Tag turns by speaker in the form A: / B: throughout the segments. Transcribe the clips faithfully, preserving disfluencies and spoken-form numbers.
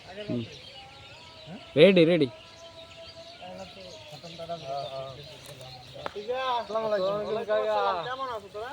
A: Ready ready
B: কেমন আছো তোরা?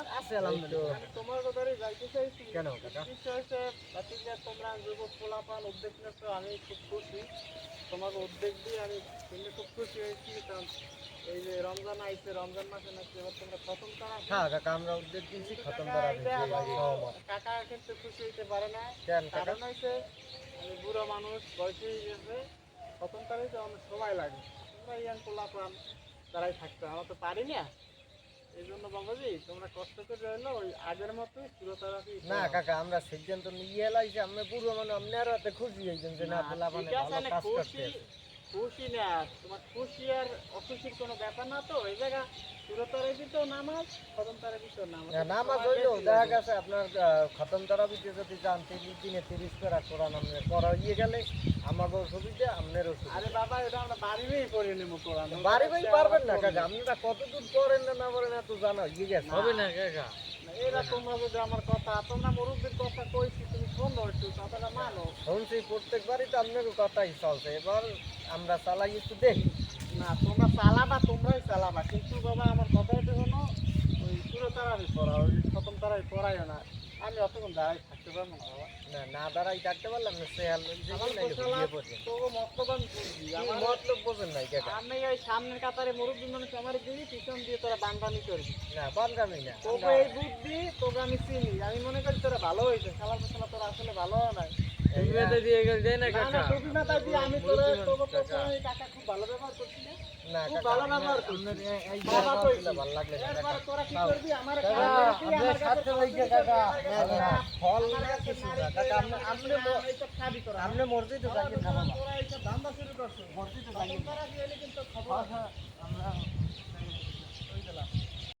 B: তোমার কথাই যাইতে চাইছি।
C: কেন কাকা?
B: বিষয় হচ্ছে তোমরা যুবক পোলাপান উদ্যোগ নিয়েছো, আমি খুব খুশি। তোমার উদ্যোগ দিয়ে আমি শুনে খুব খুশি হয়েছি। কারণ এই যে রমজান আইছে, রমজান মাসে নাকি এবার তোমরা খতম করা।
C: হ্যাঁ কাকা, আমরা উদ্যোগ দিয়েছি খতম
B: কাকা
C: করা
B: এটা
C: দিয়েছি,
B: আমার
C: সহমত।
B: কাকা কিন্তু খুশি হইতে পারে না।
C: কেন কাকা?
B: কারণ হয়েছে আমি বুড়ো মানুষ, বয়স হয়ে গেছে, খতম করাইতে অনেক সময় লাগে। তোমরা ইয়াং পোলাপান তারাই থাকতো, আমরা তো পারি না। এই জন্য বাবাজি তোমরা কষ্ট করে রইলো ওই আগের মতোই সুরতারাফি।
C: না কাকা, আমরা সিদ্ধান্ত নিয়ে এলাইছি, আমরা পুরো মানে আপনার হাতে খুশি হয়েছেন যে না পেলা মানে ভালো কাজ করতে।
B: খুশি না, তোমার খুশি আর অখুশির কোনো ব্যাপার না তো। এই জায়গা সুরতারাফি তো নামাজ, খতম তারাফি তো নামাজ।
C: নামাজ হইলো দেখা গেছে আপনার আহ, খতম তারাবিতে যদি যান তিরিশ দিনে তিরিশ করা কোরআন আপনি পড়া ইয়ে গেলে আমাকেও সুবিধা আপনারও সুবিধা।
B: আরে বাবা এটা আমরা বাড়িতেই পড়ে নেবো কোরআন।
C: বাড়ি বাড়ি পারবেন না কাকা, আপনারা কতদূর পড়েন না না পড়েন এত জানা ইয়ে গেছে হবে না কাকা।
B: এরা তোমরা যদি আমার কথা, তোমরা মুরব্বীর কথা কইছি, তুমি শোনো একটু, কথাটা মানো।
C: শুনছি প্রত্যেকবারই তো আপনার কথাই চলছে, এবার আমরা চালাই একটু দেখি।
B: না তোমরা চালাবা, তোমরাই চালাবা, কিন্তু বাবা আমার কথা এটা শোনো। ওই পুরো তারাই পড়া, ওই খতম তারাই পড়াই না। আমি অতক্ষণ দাঁড়াই থাকতে পারবো না বাবা।
C: না না দাঁড়াই থাকতে পারলাম না, সে
B: আমার
C: ইয়ে পড়ছেন
B: তো মতলব আমি বুঝি। আমার
C: মতলব বোঝেন নাই কাকা।
B: আমি ওই সামনের কাতারে মুরব্বী মানুষ আমার দিবি, পিছন দিয়ে তোরা বান্দানি করবি।
C: না বানগামি না,
B: তোকে এই বুদ্ধি, তোকে আমি চিনি। আমি মনে করি তোরা ভালো হয়েছে, খেলার পেছনে তোরা আসলে ভালো নাই।
C: দিয়ে গেল যায় না
B: না না, টুপি মাথা দিয়ে আমি তোরা তোকে প্রথমে এই কাকা খুব ভালো ব্যবহার করছি না?
C: না
B: খুব
C: কাকা,
B: ভালো ব্যবহার
C: আপনার
B: করছি।
C: এই
B: বাবা
C: ব্যবহার
B: কইছি।
C: করলে ভালো লাগলে না
B: এরপরে
C: কাকা।
B: তোরা কি করবি? আমার
C: কাকা,
B: খাওয়া দিবি,
C: আপনার
B: আমার
C: সাথে
B: কাছে
C: হইছে কাকা।
B: আমার কাছে
C: না, না, ফল না
B: আমার কাছে
C: কিছু না।
B: নারী
C: কাকা,
B: দিয়ে
C: আপনি-
B: আমার
C: আপনি
B: কাছে
C: ম-
B: না, এইসব খাবি তোরা।
C: আপনি মসজিদে
B: তোরা
C: যাইয়েন না বাবা।
B: তোরা এইসব ধান্দা শুরু করছো।
C: মসজিদে
B: খতম
C: যাইয়েন না।
B: করা দিয়ে এলে কিন্তু খবর আছে।
C: আমরা